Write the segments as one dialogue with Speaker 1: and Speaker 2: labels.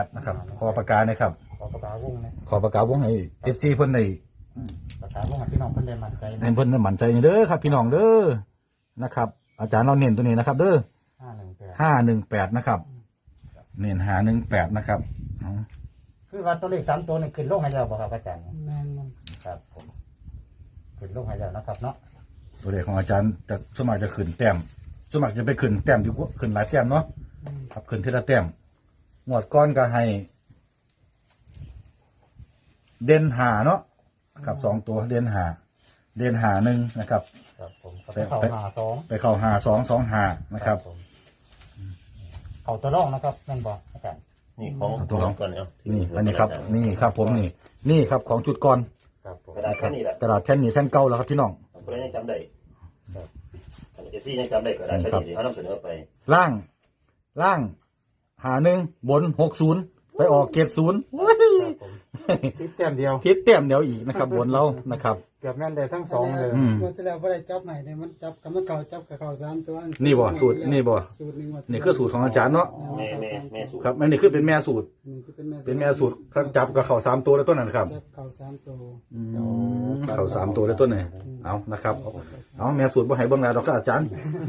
Speaker 1: นะครับขอประกาศนะครับ
Speaker 2: ขอปากกาวงนะ
Speaker 1: ขอประกาศวงให้FCเพิ่นได้
Speaker 2: ปากกาวงให้พี่น้องเพิ่นได้มั่นใจนะ
Speaker 1: ให้เพิ่นได้มั่นใจเด้อครับพี่น้องเด้อนะครับอาจารย์เราเน้นตัวนี้นะครับเด้อ518นะครับเน้น518นะครับ
Speaker 2: คือว่าตัวเลข3ตัวนี่ขึ้นลงให้แล้วบ่ครับอาจารย์
Speaker 3: แม่น
Speaker 2: ครับผมขึ้นลงให้แล้วนะครับเนาะ
Speaker 1: ตัวเลขของอาจารย์จะสวนมัครจะขึ้นแต้มสวนมัครจะไปขึ้นแต้มอยู่ขึ้นหลายแต้มเนาะครับขึ้นทีละแต้มงวดก้อนก็ให้เด่นหาเนาะครับ2ตัวเด่นหา1นะครับ
Speaker 2: ครับผมไปเข้า52
Speaker 1: ไปเข้า5225นะครับ
Speaker 2: เข้าตัวรองนะครับแม่นบ่อาจารย์
Speaker 4: นี่ของตัวรองก่อนเอา
Speaker 1: นี่อันนี้ครับนี่ครับผมนี่ครับของจุดก่อน
Speaker 2: ครับผม
Speaker 4: กระดาษแค่นี้แหละ
Speaker 1: ตลาดแท่นนี้แท่นเก่าแล้วครับพี่น้อง
Speaker 4: คนยังจำได้เอฟซียังจำได้กระดาษแค่นี้เขานำเสนอไป
Speaker 1: ล่าง51บน60ไปออก70
Speaker 2: คิดแต้มเดียว
Speaker 1: คิดเต็มเดียวอีกนะครับบนเรานะครับ
Speaker 2: เกือบแม่นได้ทั้ง2เลย
Speaker 3: เมื่อที่แล้วบ่ได้จับใหม่เนี่ยมันจับกับมันเก่าจับกับเก่า3ตัว
Speaker 1: นี่บ่สูตรนี่บ่
Speaker 3: สูตรนึงว่า
Speaker 1: นี่คือสูตรของอาจารย์เนาะ
Speaker 4: แม่สู
Speaker 1: ครับอันนี้คือเป็นแม่สูตร
Speaker 3: นี่คือเป็นแม่
Speaker 1: เป็นแม่สูตรครับจับกับเขา3ตัวแล้วต้นนั้นครับ
Speaker 3: จับเก่า3ตัว
Speaker 1: เขา3ตัวแล้วต้นไหนเอานะครับเอาแม่สูตรบ่ให้เบิ่งหลายดอกครับอาจารย์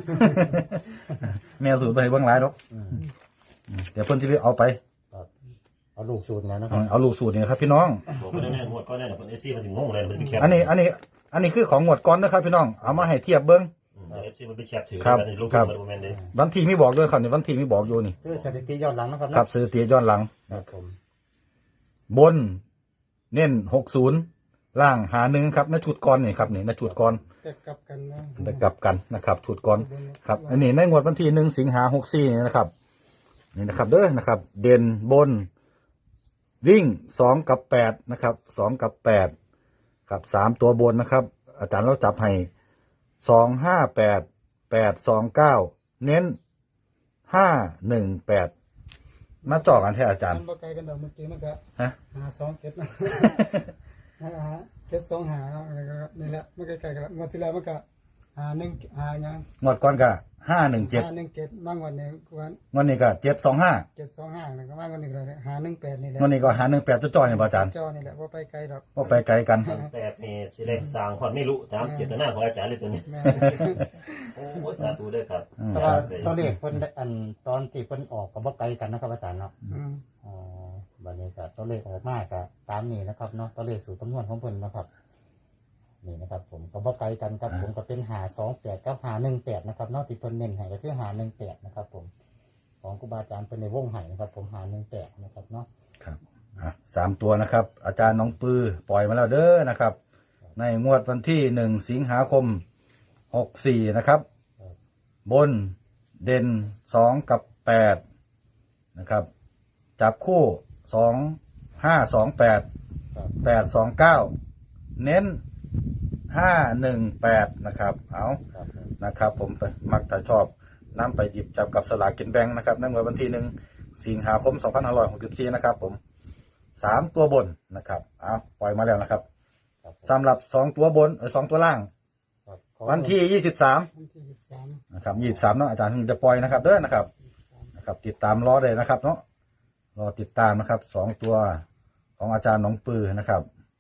Speaker 1: แม่สูตรบ่ให้เบิ่งหลายดอกเดี๋ยวเพิ่นสิไปเอาไป
Speaker 2: เอาลูกสูตรนะครับ
Speaker 1: เอาลูกสูตรนี่ครับพี่น้อง
Speaker 4: ผมไม่ได้แน่หมดก็แน่แต่คนเอฟซีมันสิงงเลยมันเป็นแคป
Speaker 1: อันนี้คือของงวดก่อนนะครับพี่น้องเอามาให้เทียบเบิ่ง
Speaker 4: เอฟซีมันเป็นแคปถือ
Speaker 1: ครับ
Speaker 4: ลูก
Speaker 1: ครับ
Speaker 4: มันโมเมนต์เลย
Speaker 1: วันที่มีบอกด้วยครับนี่วันที่มีบอกอยู่นี่
Speaker 2: คือสถิติย้อนหลังนะครับ
Speaker 1: ครับสถิติย้อนหลัง
Speaker 2: ครับผม
Speaker 1: บนเน้น60ล่าง51ครับในชุดก่อนนี่ครับนี่ในชุดก่อน
Speaker 3: แต่กลับกันนะ
Speaker 1: ได้กลับกันนะครับชุดก่อนครับอันนี้ในงวดวันที่1สิงหา64นี่นะครับนี่นะครับเด้อนะครับเด่นบนวิ่ง2กับ8นะครับ2กับ8ครับ3ตัวบนนะครับอาจารย์เราจับให้258 829เน้น518มาจ่อกันแท้อาจารย์
Speaker 3: มันบ่ไกลกันดอกเมื่อกี้มันก็
Speaker 1: ฮะ
Speaker 3: 527นะ725นี่แหละมันใกล้ๆกันเมื่อที่แล้วมันก็51หยัง
Speaker 1: งวดก่อนก็517
Speaker 3: 517บางวันเนี่ยวัน
Speaker 1: งวดนี้ก็725
Speaker 3: 725นะก็บางวันนี้ก็518นี่แหละ
Speaker 1: งวดนี้ก็518จ่อๆนี่บ่อาจารย์
Speaker 3: จอนี่แหละบ่ไปไกลดอก
Speaker 1: บ่ไปไกลกัน
Speaker 4: แต่นี่สิเลยสร้างความไม่รู้ตามเจตนาของอาจารย์เลยตัวนี้
Speaker 3: แม่
Speaker 4: โอ้สาธุด้วยครับ
Speaker 2: แต่ว่าตัวเลขเพิ่นได้อันตอนที่เพิ่นออกก็บ่ไกลกันนะครับอาจารย์เนาะ อ๋อบัดนี้ก็ตัวเลขออกมาก็ตามนี้นะครับเนาะตัวเลขสูตรคำนวณของเพิ่นนะครับนี่นะครับผมก็บ่ไกลกันครับผมก็เป็น528กับ518นะครับเนาะที่เพิ่นเน้นให้ก็คือ518นะครับผมของครูบาอาจารย์เพิ่นในวงให้นะครับผม518นะครับเนาะ
Speaker 1: ครับ3ตัวนะครับอาจารย์น้องปือปล่อยมาแล้วเด้อนะครับในงวดวันที่1สิงหาคม64นะครับบนเด่น2กับ8นะครับจับคู่2528 829เน้น518นะครับเอา
Speaker 2: ครับผม
Speaker 1: นะครับผมไปมักแต่ชอบนำไปหยิบจับกับสลากกินแบ่งนะครับในวันที่1สิงหาคม2564นะครับผม3ตัวบนนะครับเอาปล่อยมาแล้วนะครับ
Speaker 2: ครับ
Speaker 1: สำหรับ2ตัวบน2ตัวล่าง
Speaker 2: ครับ
Speaker 1: วันที่23
Speaker 3: วันที่23
Speaker 1: นะครับ23เนาะอาจารย์ถึงจะปล่อยนะครับเด้อนะครับติดตามรอได้นะครับเนาะรอติดตามนะครับ2ตัวของอาจารย์หนองปือนะครับ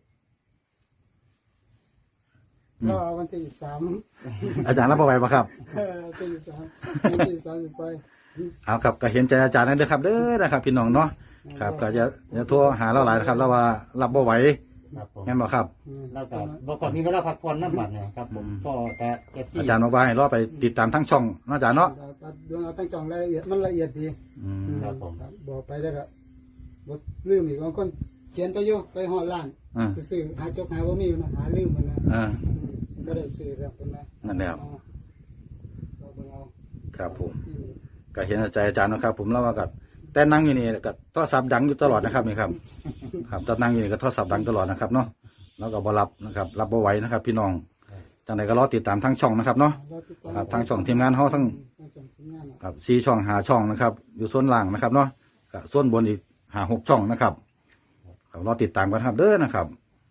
Speaker 3: รอวันที่23
Speaker 1: อาจารย์รับเอาไว้ปะครับ
Speaker 3: วันที่23วันที่23ไป
Speaker 1: เอาครับก็เห็นใจอาจารย์นั่นเด้อครับเด้อนะครับพี่น้องเนาะครับก็จะโทรหาเราหลายนะครับเราว่ารับบ่ไหว
Speaker 2: ครับผม
Speaker 1: แม่นบ่ครับ
Speaker 2: แล้วก็บ่ก่อนนี้เวลาพักผ่อนนำบัดเนี่ยครับผมก็แต่ FC
Speaker 1: อาจารย์บอกว่าให้รอไปติดตามทั้งช่องเนาะอาจารย์เนาะ
Speaker 3: ดูเอาตั้งจองรายละเอียดมันละเอียดดี
Speaker 2: ครับผม
Speaker 3: บอกไปแล้วก็บ่ลืมอีกบางคนเขียนไปอยู่ไปฮอดร้าน ซื้อหาจกหาบ่มีนะหาลืมมันนะก็ได้ซื้อแล้วเป็นไง
Speaker 1: นั่นแหละ
Speaker 3: เราเบิ่งเอา
Speaker 1: ครับผมก็เห็นใจอาจารย์นะครับ ผมแล้วว่าก็แต่นั่งอยู่นี่ก็โทรศัพท์ดังอยู่ตลอดนะครับนี่ครับครับตอนนั่งอยู่นี่ก็โทรศัพท์ดังตลอดนะครับเนาะแล้วก็บ่รับนะครับรับบ่ไหวนะครับ พี่น้องจังไดก็รอติดตามทั้งช่องนะครับเนาะครับทั้งช่องทีมงานเฮาทั้งครับ4ช่อง5ช่องนะครับอยู่ส่วนล่างนะครับเนาะก็ส่วนบนอีก5-6ช่องนะครับครับรอติดตามกันครับเด้อนะครับ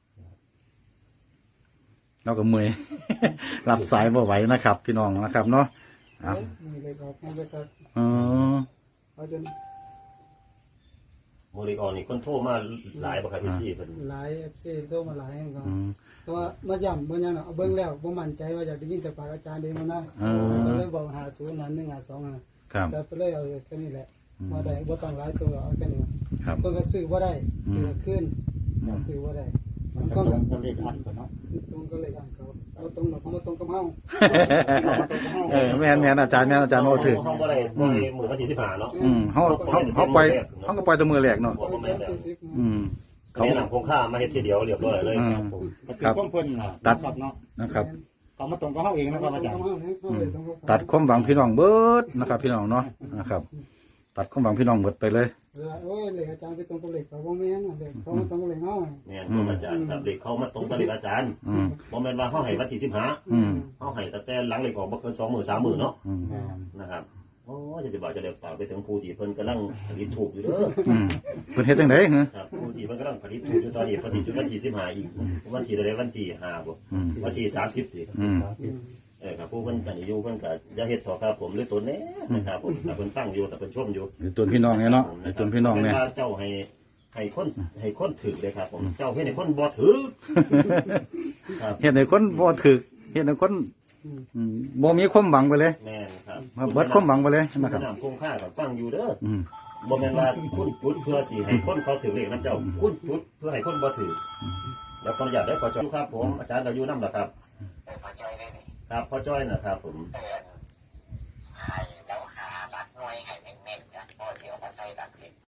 Speaker 1: เราก็เมื่อย รับสายบ่ไหวนะครับ พี่น้องนะครับเนาะครับ
Speaker 3: นี่เลยครับนี่เลยครับ
Speaker 1: อ๋อ
Speaker 3: เอาจน
Speaker 4: โมเลกอนี่คนโทรมาหลายบ่ครับพี่เพิ่น
Speaker 3: หลาย FC โทรมาหลายก็
Speaker 1: อืม
Speaker 3: แต่ว่ามาย้ำบ่ยังเอาเบิ่งแล้วบ่มั่นใจว่าอยากได้ยินจากปากอาจารย์เองนะ ก็เลยบอก50นั้น152
Speaker 1: ครับ
Speaker 3: แต่ไปเลยเอาแค่นี้แหละบ่ได้บ่ต้องหลายตัวเอาแค่นี้
Speaker 1: ครับ
Speaker 3: เพิ่นก็ซื้อบ่ได้ซื้อขึ้นซื้อบ่ได้
Speaker 2: มันก็ตรงกับเลขอันก่อนเนาะ
Speaker 3: ตรงก็เลยอ่านเขาบ่ตรงหรอกบ่ตรงกับเฮา
Speaker 1: แม่นอาจารย์โอ้ถือ
Speaker 4: เฮาบ่ได้มื้อวันที่15เนาะ
Speaker 1: เขาไปเขาก็ไปแตัวมือแหลกเนาะ
Speaker 3: บ่แม่นที่10
Speaker 1: อืม
Speaker 4: เขา
Speaker 1: เขา
Speaker 4: แนะนำโครงค่ามาเฮ็ดทีเดียวเรียบร้อยเลย
Speaker 2: ครับผมก็คือความเพิ่นน่ะตัดเนาะ
Speaker 1: นะครับ
Speaker 2: เขามาตรงกับเฮาเองนะครับอาจารย์
Speaker 1: ตัดความหวังพี่น้องเบิดนะครับ พี่น้องเนาะนะครับ ตัดความหวังพี่น้องเบิดไปเลย
Speaker 3: โอ้ยเลขอาจารย์ไปตรงกับเลขเขาบ่แม่นเลขเขาตรงกับเลขเฮา
Speaker 4: แม่นครับอาจารย์ครับเด็กเขามาตรงกับเด็กอาจารย์
Speaker 1: อืม
Speaker 4: บ่แม่นว่าเฮาให้วันที่15
Speaker 1: อืม
Speaker 4: เฮาให้ตั้งแต่หลังเลขออกบ่เกิน2 มื้อ3 มื้อเนาะ
Speaker 1: อืม
Speaker 4: นะครับโอ้จะบอกจะได้ฝากไปถึงผู้ที่เพิ่นกำลังผลิตถูกอยู่เด้อ
Speaker 1: อืมเพิ่นเฮ็ดจังได๋ฮะ
Speaker 4: ครับผู้ที่เพิ่นกำลังผลิตถูกอยู่ตอนนี้ผลิตอยู่วันที่15อีกวันที่ใดวันที่5บ่
Speaker 1: อืม
Speaker 4: วันที่30นี่
Speaker 1: อืม
Speaker 4: ครับผู้เพิ่นกันอยู่เพิ่นก็อย่าเฮ็ดต่อครับผมหรือตัวแน่นะครับผมถ้าเพิ่นฟังอยู่ถ้าเพิ่นชมอยู่
Speaker 1: ไอ้ตัวพี่น้องเนี่ยเนาะไอ้ตัวพี่น้องเนี่ย
Speaker 4: เจ้าให้คนถือเลยครับผมเจ้าเฮ็ดให้คนบ่ถือครับ
Speaker 1: เฮ็ดให้คนบ่ถึกเฮ็ดให้คนบ่มีความหวังไปเลย
Speaker 4: แม่นครับ
Speaker 1: เบิดความหวังไปเลยนะค
Speaker 4: ค
Speaker 1: รั
Speaker 4: รั
Speaker 1: บบ
Speaker 4: คงค่ากับฟังอยู่เด้อ
Speaker 1: อืม
Speaker 4: บ่แม่นว่าคุณจุดเพื่อสิให้คนเขาถือเลขนํเจ้าคุณจุดเพื่อให้คนบ่ถือแล้วขออนุญาตได้ขอจอยครับผมอาจารย์ก็อยู่นำล่ะครับครับพ่อจ้อยนะครับผม
Speaker 5: อัน